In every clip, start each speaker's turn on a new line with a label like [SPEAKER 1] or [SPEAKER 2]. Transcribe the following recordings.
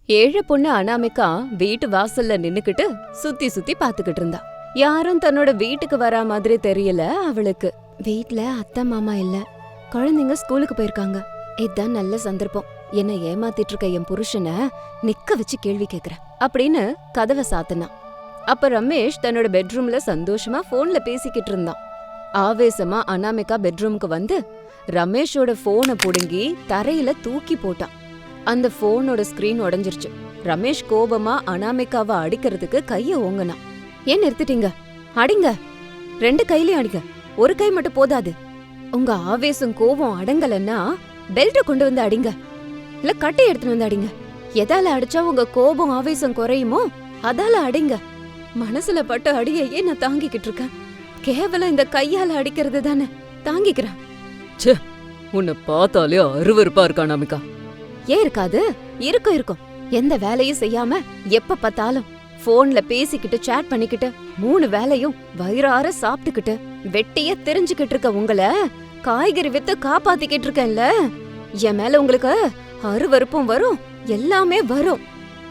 [SPEAKER 1] ஏழை பொண்ணு அனாமிகா வீட்டு வாசல்ல நின்னுக்கிட்டு சுத்தி சுத்தி பாத்துக்கிட்டு இருந்தா. யாரும் தன்னோட வீட்டுக்கு வரா மாதிரி தெரியல அவளுக்கு. வீட்ல அத்தை மாமா இல்ல, குழந்தைங்க ஸ்கூலுக்கு போயிருக்காங்க. இதுதான் நல்ல சந்தர்ப்பம். என்ன ஏமாத்திட்டு இருக்க என் புருஷனை நிக்க வச்சு கேள்வி கேக்குறேன் அப்படின்னு கதவை சாத்தினான். அப்ப ரமேஷ் தன்னோட பெட்ரூம்ல சந்தோஷமா போன்ல பேசிக்கிட்டு இருந்தான். ஆவேசமா அனாமிகா பெட்ரூமுக்கு வந்து ரமேஷோட போனை புடுங்கி தரையில தூக்கி போட்டான். அந்த போனோட ஸ்கிரீன் உடைஞ்சிருச்சு. ரமேஷ் கோபமா அனாமிகாவை அடிக்கிறதுக்கு கைய ஓங்கினான். ஏன் நிறுத்திட்டீங்க? அடிங்க, 2 கையிலயும் அடிங்க, ஒரு கை மட்டும் போதாது. உங்க ஆவேசம் கோபம் அடங்கலன்னா பெல்ட்ட கொண்டு வந்து அடிங்க, இல்ல கட்டை எடுத்துட்டு வந்து அடிங்க. எதால அடிச்சா உங்க கோபம் ஆவேசம் குறையுமோ அதால அடிங்க. மனசுல பட்ட அடியையே நான் தாங்கிக்கிட்டு இருக்கேன். கேவலம் இந்த கையால அடிக்கிறது தானே தாங்கிக்கிறேன்.
[SPEAKER 2] ச்சே, உன்னை பார்த்தாலே அருவருப்பா இருக்கா அனாமிகா.
[SPEAKER 1] ஏன் இருக்காது? இருக்கும். எந்த வேலையும் செய்யாம எப்ப பார்த்தாலும் போன்ல பேசிக்கிட்டு சேட் பண்ணிக்கிட்டு 3 வேலையும் வயிறார சாப்பிட்டுக்கிட்டு வெட்டிய தெரிஞ்சுக்கிட்டு இருக்க உங்களை காய்கறி வித்து காப்பாத்திக்கிட்டு இருக்கேன்ல. என் மேல உங்களுக்கு அருவருப்பும் வரும், எல்லாமே வரும்.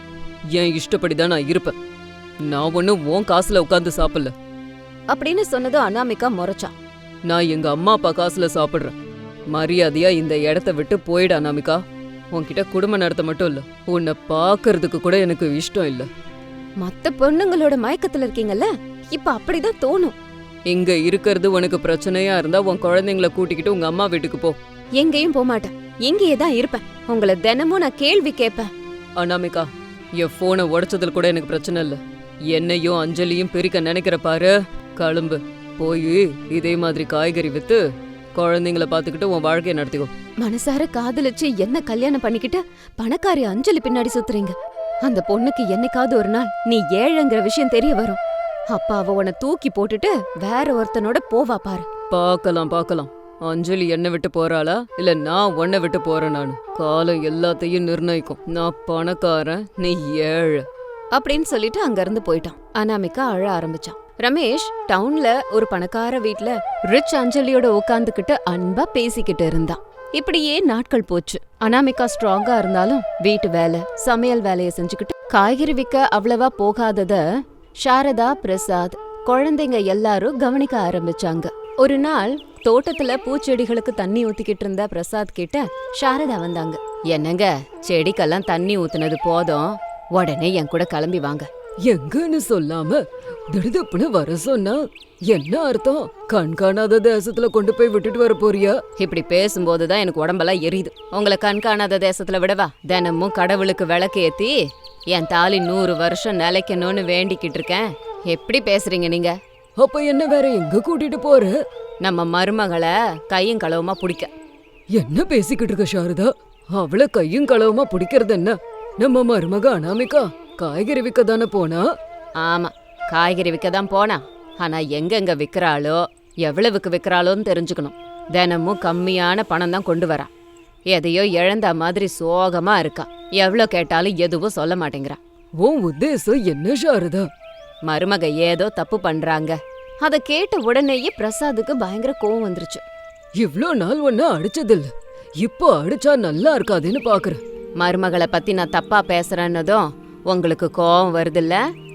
[SPEAKER 2] என் இஷ்டப்படிதான் நான் இருப்பேன். நான் ஒன்னும் உன் காசுல உட்கார்ந்து சாப்பிடல
[SPEAKER 1] அப்படின்னு சொன்னதும் அனாமிகா முறைச்சா.
[SPEAKER 2] நான் எங்க அம்மா அப்பா காசுல சாப்பிடுறேன். மரியாதையா இந்த இடத்த விட்டு போயிடு அனாமிகா. உன்கிட்ட குடும்ப நடத்த மட்டும் இல்ல, உன்னை பாக்குறதுக்கு கூட எனக்கு இஷ்டம் இல்ல.
[SPEAKER 1] மத்த பொண்ணுங்களோட மயக்கத்துல இருக்கீங்கல்ல, இப்ப அப்படிதான் தோணும்.
[SPEAKER 2] இங்க இருக்கிறது உனக்கு பிரச்சனையா இருந்தா உன் குழந்தைங்களை கூட்டிக்கிட்டு உங்க அம்மா வீட்டுக்கு போ.
[SPEAKER 1] எங்கேயும் போக மாட்டேன், இங்கேயே தான் இருப்பேன். உங்களை தினமும் நான் கேள்வி கேட்பேன்.
[SPEAKER 2] அனாமிகா, என் போனை உடைச்சதுல கூட எனக்கு பிரச்சனை இல்ல. என்னையும் அஞ்சலியும் பிரிக்க நினைக்கிற பாரு, கிளம்பு. போய் இதே மாதிரி காய்கறி வித்து குழந்தைங்களை பாத்துக்கிட்டு உன் வாழ்க்கைய நடத்திக்கோ.
[SPEAKER 1] மனசார காதலிச்சு என்ன கல்யாணம் பண்ணிக்கிட்டு பணக்காரி அஞ்சலி பின்னாடி சுத்துறீங்க. அந்த பொண்ணுக்கு என்னைக்காவது ஒரு நாள் நீ ஏழைங்கிற விஷயம் தெரிய வரும். அப்ப அவ உன்னை தூக்கி போட்டுட்டு வேற ஒருத்தனோட போவா பாரு.
[SPEAKER 2] பாக்கலாம். அஞ்சலி என்ன விட்டு போறாளா இல்ல நான் உன்னை விட்டு போறேன்? நானு காலம் எல்லாத்தையும் நிர்ணயிக்கும். நான் பணக்காரன், நீ ஏழை
[SPEAKER 1] அப்படின்னு சொல்லிட்டு அங்க இருந்து போயிட்டான். அனாமிகா அழ ஆரம்பிச்சான். ரமேஷ் டவுன்ல ஒரு பணக்கார வீட்ல ரிச் அஞ்சலியோட உட்கார்ந்துகிட்டு அன்பா பேசிக்கிட்டு இருந்தான். இப்படியே நாட்கள் போச்சு. அனாமிகா ஸ்ட்ராங்கா இருந்தாலும் வீட்டு வேலை சமையல் வேலைய செஞ்சுக்கிட்டு காய்கறி விற்க அவ்வளவா போகாதத சாரதா, பிரசாத், குழந்தைங்க எல்லாரும் கவனிக்க ஆரம்பிச்சாங்க. ஒரு நாள் தோட்டத்துல பூச்செடிகளுக்கு தண்ணி ஊத்திக்கிட்டு இருந்த பிரசாத் கிட்ட சாரதா வந்தாங்க. என்னங்க, செடிக்கெல்லாம் தண்ணி ஊத்துனது போதும், உடனே என் கூட கிளம்பி வாங்க.
[SPEAKER 2] எங்கன்னு சொல்லாம திடுதுப்புன்னு வர சொன்னா என்ன அர்த்தம்? கண்காணாத தேசத்துல கொண்டு போய் விட்டுட்டு வர போறியா?
[SPEAKER 1] இப்படி பேசும்போதுதான் எனக்கு உடம்பெல்லாம் எரியுது. உங்களை கண்காணாத தேசத்துல விடவா? தினமும் கடவுளுக்கு விளக்கு ஏத்தி என் தாலி 100 வருஷம் நிலைக்கணும்னு வேண்டிக்கிட்டு இருக்கேன். எப்படி பேசுறீங்க நீங்க?
[SPEAKER 2] அப்ப என்ன வேற எங்க கூட்டிட்டு போற?
[SPEAKER 1] நம்ம மருமகளை கையும் களவுமா பிடிக்க.
[SPEAKER 2] என்ன பேசிக்கிட்டு இருக்க சாரதா? அவளை கையும் களவுமா பிடிக்கிறது என்ன? நம்ம மருமக அனாமிகா காய்கறி விற்க தானே போனா?
[SPEAKER 1] ஆமா, காய்கறி விற்க தான் போனா. ஆனா எங்கெங்க விற்கிறாளோ எவ்வளவுக்கு விற்கிறாளோன்னு தெரிஞ்சுக்கணும். தினமும் கம்மியான பணம் தான் கொண்டு வரா. எதையோ இழந்த மாதிரி சோகமா இருக்கா. எவ்வளோ கேட்டாலும் எதுவும் சொல்ல மாட்டேங்கிறா.
[SPEAKER 2] உன் உத்தேசம் என்ன சாரதா?
[SPEAKER 1] மருமக ஏதோ தப்பு பண்றாங்க. அத கேட்ட உடனேயே பிரசாதுக்கு பயங்கர கோவம் வந்துருச்சு.
[SPEAKER 2] இவ்ளோ நாள் ஒன்னு அடிச்சதில்ல, இப்போ அடிச்சா நல்லா இருக்காதுன்னு பாக்குறேன்.
[SPEAKER 1] மருமகளை பத்தி நான் தப்பா பேசுறேன்னதும் உங்களுக்கு கோவம் வருதுல்ல?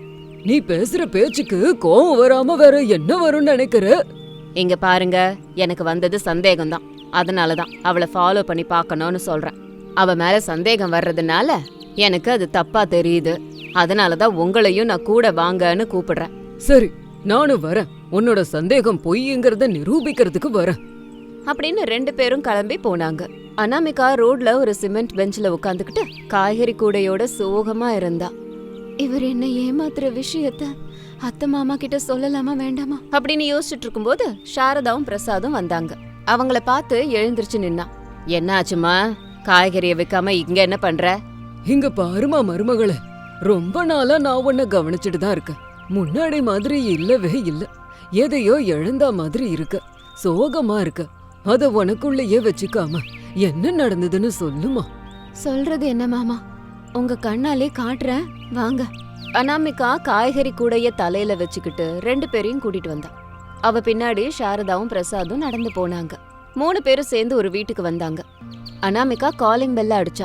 [SPEAKER 2] நீ பேசுற பேச்சுக்கு கோவம் வராம வேற என்ன வரும்னு நினைக்கிற?
[SPEAKER 1] இங்க பாருங்க, எனக்கு வந்தது சந்தேகம்தான். அதனாலதான் அவளை ஃபாலோ பண்ணி பார்க்கணும்னு சொல்றேன். அவ மேல சந்தேகம் வர்றதுனால எனக்கு அது தப்பா தெரியுது. அதனாலதான் உங்களையும் நான் கூட வாங்கன்னு கூப்பிடுறேன்.
[SPEAKER 2] சரி, நானும் வரேன். உன்னோட சந்தேகம் பொய்ங்கிறத நிரூபிக்கிறதுக்கு வரேன்
[SPEAKER 1] அப்படின்னு 2 பேரும் கிளம்பி போனாங்க. அனாமிகா ரோட்ல ஒரு சிமெண்ட் பெஞ்ச்ல உட்காந்துக்கிட்டு காய்கறி கூடையோட சோகமா இருந்தா. இவர் என்ன ஏமாத்துற விஷயத்த அத்தை மாமா கிட்ட சொல்லலாமா வேண்டாமா அப்படின்னு யோசிச்சுட்டு இருக்கும்போது சாரதாவும் பிரசாதும் வந்தாங்க. அவங்கள பார்த்து எழுந்திருச்சு நின்னா. என்ன ஆச்சுமா? காய்கறியை விற்காம இங்க என்ன பண்ற?
[SPEAKER 2] இங்க பாருமா மருமகளே, ரொம்ப நாளா நான் உன்னை கவனிச்சுட்டு தான் இருக்கேன். முன்னாடி மாதிரி இல்லவே இல்ல. எதையோ இழந்தா மாதிரி இருக்க, சோகமா இருக்க. அத உனக்குள்ளேயே வச்சுக்காம என்ன நடந்ததுன்னு சொல்லுமா.
[SPEAKER 1] சொல்றது என்ன மாமா, உங்க கண்ணாலே காட்டுறேன் வாங்க. அனாமிகா காய்கறி கூடைய தலையில வச்சுக்கிட்டு 2 பேரையும் கூட்டிட்டு வந்தா. அவ பின்னாடி சாரதாவும் பிரசாதும் நடந்து போனாங்க. 3 பேரும் சேர்ந்து ஒரு வீட்டுக்கு வந்தாங்க. அனாமிகா காலிங் பெல்ல அடிச்சா.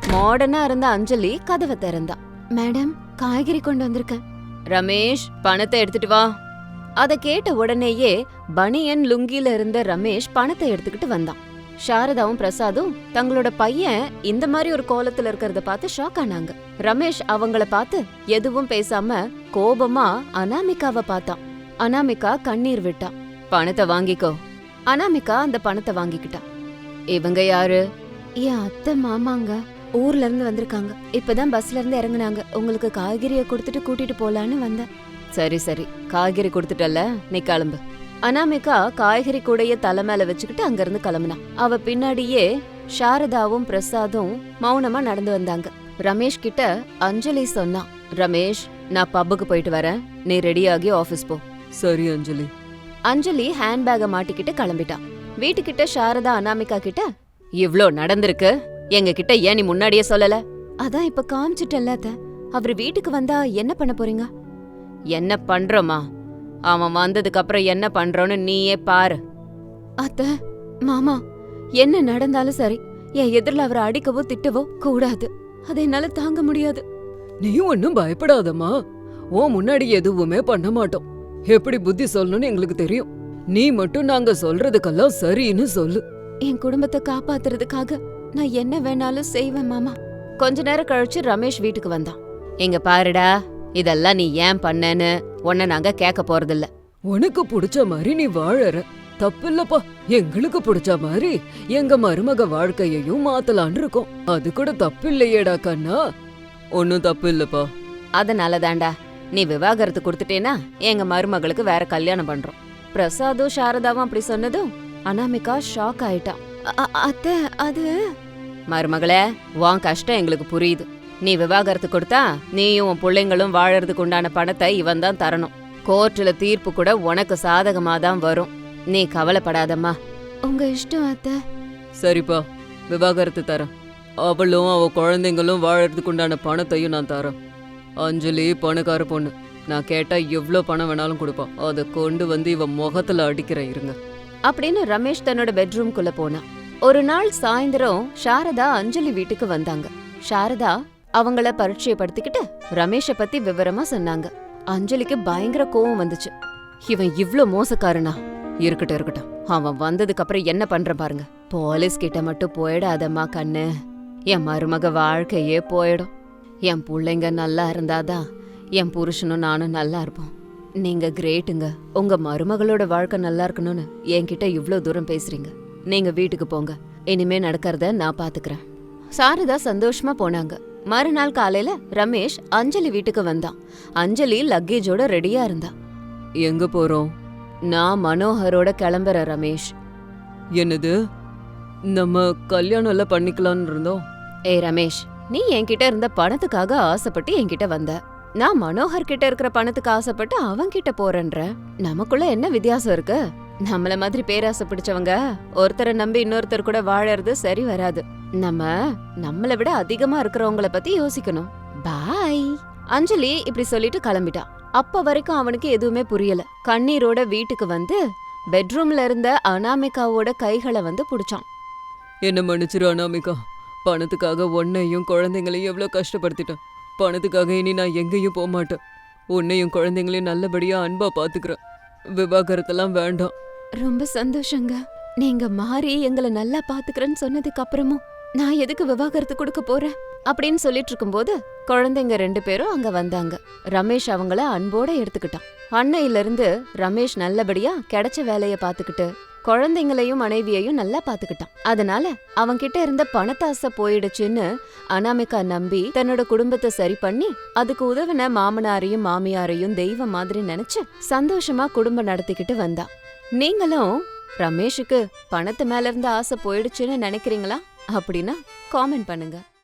[SPEAKER 1] மாடர்னா இருந்த அஞ்சலி கதவை திறந்தா. மேடம், காய்கறி கொண்டு வந்திருக்கேன். ரமேஷ், பணத்தை எடுத்துட்டு வா. அத கேட்ட உடனேயே பனியன் லுங்கில இருந்த ரமேஷ் பணத்தை எடுத்துக்கிட்டு வந்தான். சாரதாவும் பிரசாதும் தங்களோட பையன் இந்த மாதிரி ஒரு கோலத்துல இருக்கறத பார்த்து ஷாக் ஆனாங்க. ரமேஷ் அவங்கள பார்த்து எதுவும் பேசாம கோபமா அனாமிகாவை பார்த்தான். அனாமிகா கண்ணீர் விட்டா. பணத்தை வாங்கிக்கோ. அனாமிகா அந்த பணத்தை வாங்கிக்கிட்டா. இவங்க யாரு? என் அத்தை மாமாங்க. ஊர்ல இருந்து வந்திருக்காங்க. இப்பதான் பஸ்ல இருந்து இறங்குனாங்க. உங்களுக்கு காய்கறியை கொடுத்துட்டு கூட்டிட்டு போலான்னு வந்தேன். சரி சரி, காய்கறி கொடுத்துட்டல, நீ கிளம்பு. அனாமிகா காய்கறி கூடைய தலை மேல வச்சுக்கிட்டு அங்கிருந்து கிளம்புனா. அவ பின்னாடியே சாரதாவும் பிரசாதும் மௌனமா நடந்து வந்தாங்க. ரமேஷ் கிட்ட அஞ்சலி சொன்னா, ரமேஷ், நான் பப்புக்கு போயிட்டு வரேன், நீ ரெடியாகி ஆபீஸ் போ.
[SPEAKER 2] சரி அஞ்சலி.
[SPEAKER 1] அஞ்சலி ஹேண்ட்பேக மாட்டிக்கிட்டு கிளம்பிட்டா. வீட்டுக்கிட்ட சாரதா அனாமிகா கிட்ட, இவ்ளோ நடந்திருக்கு, எங்க கிட்ட ஏன் நீ முன்னாடியே சொல்லல? அதான் இப்ப காமிச்சிட்டல்ல அத்த. அவரு வீட்டுக்கு வந்தா என்ன பண்ண போறீங்க? என்ன பண்றோமா? அவன் வந்ததுக்கு அப்புறம் என்ன பண்றோன்னு நீயே பாரு. அத்த, மாமா, என்ன நடந்தாலும் சரி, என் எதிரில அவரை அடிக்கவோ திட்டவோ கூடாது. அதை என்னால தாங்க முடியாது.
[SPEAKER 2] நீ ஒன்னும் பயப்படாதம்மா. ஓ முன்னாடி எதுவுமே பண்ண மாட்டோம். எப்படி புத்தி சொல்லணும்னு எங்களுக்கு தெரியும். நீ மட்டும் நாங்க சொல்றதுக்கெல்லாம் சரின்னு சொல்லு.
[SPEAKER 1] என் குடும்பத்தை காப்பாத்துறதுக்காக நான் என்ன வேணாலும் செய்வேன் மாமா. கொஞ்ச நேரம் கழிச்சு ரமேஷ் வீட்டுக்கு வந்தான். எங்க பாருடா, இதெல்லாம் நீ ஏன் பண்ணேன்னு உன்னை நாங்க கேட்க போறதில்ல.
[SPEAKER 2] உனக்கு பிடிச்ச மாதிரி நீ வாழற, தப்பில்லப்பா. எங்களுக்கு பிடிச்ச மாதிரி எங்க மருமக வாழ்க்கையையும் மாத்தலான் இருக்கோம். அது கூட தப்பு இல்லையேடா கண்ணா. ஒன்னும் தப்பு இல்லப்பா.
[SPEAKER 1] அதனாலதான்டா நீ விவாகரத்து கொடுத்துட்டேனா எங்க மருமகளுக்கு வேற கல்யாணம் பண்றோம். பிரசாதும் சாரதாவும் அப்படி சொன்னதும் அனாமிகா ஷாக் ஆயிட்டா. அத்தை, அது மருமகளே, உன் கஷ்டம் எங்களுக்கு புரியுது. நீ விவாகரத்து கொடுத்தா நீயும் உன் பிள்ளைங்களும் வாழறதுக்கு உண்டான பணத்தை இவன் தான் தரணும். கோர்ட்டுல தீர்ப்பு கூட உனக்கு சாதகமா தான் வரும். நீ கவலைப்படாதம்மா. உங்க இஷ்டம் அத்தை.
[SPEAKER 2] சரிப்பா, விவாகரத்து தரேன். அவளும் அவ குழந்தைங்களும் வாழறதுக்கு உண்டான பணத்தையும் நான் தரேன். அஞ்சலி பணக்கார பொண்ணு. நான் கேட்டா எவ்வளோ பணம் வேணாலும் கொடுப்பான். அதை கொண்டு வந்து இவ முகத்துல அடிக்கிறேன் இருங்க
[SPEAKER 1] அப்படின்னு ரமேஷ் தன்னோட பெட்ரூம்குள்ள போனான். ஒரு நாள் சாயந்தரம் சாரதா அஞ்சலி வீட்டுக்கு வந்தாங்க. சாரதா அவங்கள பரிச்சயப்படுத்திக்கிட்டு ரமேஷை பத்தி விவரமா சொன்னாங்க. அஞ்சலிக்கு பயங்கர கோவம் வந்துச்சு. இவன் இவ்ளோ மோசக்காரனா? இருக்கட்டும் இருக்கட்டும், அவன் வந்ததுக்கு அப்புறம் என்ன பண்ற பாருங்க. போலீஸ் கிட்ட மட்டும் போயிடாதம்மா கண்ணு. என் மருமக வாழ்க்கையே போயிடும். என் பிள்ளைங்க நல்லா இருந்தாதான் என் புருஷனும் நானும் நல்லா இருப்போம். நீங்க கிரேட்டுங்க. உங்க மருமகளோட வாழ்க்கை நல்லா இருக்கணும்னு என்கிட்ட இவ்ளோ தூரம் பேசுறீங்க. நீங்க வீட்டுக்கு போங்க. இனிமே நடக்கிறத நான் பாத்துக்கிறேன். சாரதா சந்தோஷமா போனாங்க. மறுநாள் காலையில ரமேஷ் அஞ்சலி வீட்டுக்கு வந்தான். அஞ்சலி லக்கேஜோட ரெடியா இருந்தா.
[SPEAKER 2] எங்க போறோம்?
[SPEAKER 1] நான் மனோகரோட கிளம்புறேன் ரமேஷ்.
[SPEAKER 2] என்னது? நம்ம கல்யாணம் எல்லாம் பண்ணிக்கலாம்னு இருந்தோம்.
[SPEAKER 1] ஏய் ரமேஷ், நீ என்கிட்ட இருந்த பணத்துக்காக ஆசைப்பட்டு என்கிட்ட வந்த. நான் மனோகர் கிட்ட இருக்கிற பணத்துக்கு ஆசைப்பட்டு அவன்கிட்ட போறேன்ற. நமக்குள்ள என்ன வித்தியாசம் இருக்கு? நம்மள மாதிரி பேராசை பிடிச்சவங்க ஒருத்தரை நம்பி இன்னொருத்தர் கூட வாழறது சரி வராது. நம்மள விட அதிகமா இருக்கிறவங்கள பத்தி யோசிக்கணும். பாய். அஞ்சலி இப்படி சொல்லிட்டு கிளம்பிட்டா. அப்ப வரைக்கும் அவனுக்கு எதுவுமே புரியல. கண்ணீரோட வீட்டுக்கு வந்து பெட்ரூம்ல இருந்த அனாமிகாவோட கைகளை வந்து புடிச்சான்.
[SPEAKER 2] என்ன மன்னிச்சிரு அனாமிகா. பணத்துக்காக உன்னையும் குழந்தைங்களையும் எவ்வளவு கஷ்டப்படுத்திட்டேன். பணத்துக்காக இனி நான் எங்கேயும் போக மாட்டேன். உன்னையும் குழந்தைங்களையும் நல்லபடியா அன்பா பாத்துக்கிறேன். விவாகரத்தெல்லாம் வேண்டாம்.
[SPEAKER 1] ரொம்ப சந்தோஷங்க. நீங்க மாறி எங்களை நல்லா பாத்துக்கிறேன்னு சொன்னதுக்கு அப்புறமும் நான் எதுக்கு விவாகரத்து கொடுக்க போறேன் அப்படின்னு சொல்லிட்டு இருக்கும்போது குழந்தைங்க 2 பேரும் அங்க வந்தாங்க. ரமேஷ் அவங்கள அன்போட எடுத்துக்கிட்டான். அன்னையில இருந்து ரமேஷ் நல்லபடியா கிடைச்ச வேலைய பாத்துக்கிட்டு குழந்தைங்களையும் மனைவியையும் நல்லா பாத்துக்கிட்டான். அதனால அவன்கிட்ட இருந்த பணத்தாசை போயிடுச்சுன்னு அனாமிகா நம்பி தன்னோட குடும்பத்தை சரி பண்ணி அதுக்கு உதவின மாமனாரையும் மாமியாரையும் தெய்வம் மாதிரி நினைச்சு சந்தோஷமா குடும்பம் நடத்திக்கிட்டு வந்தா. நீங்களும் ரமேஷுக்கு பணத்து மேல இருந்த ஆசை போயிடுச்சுன்னு நினைக்கிறீங்களா? அப்படின்னா காமெண்ட் பண்ணுங்க.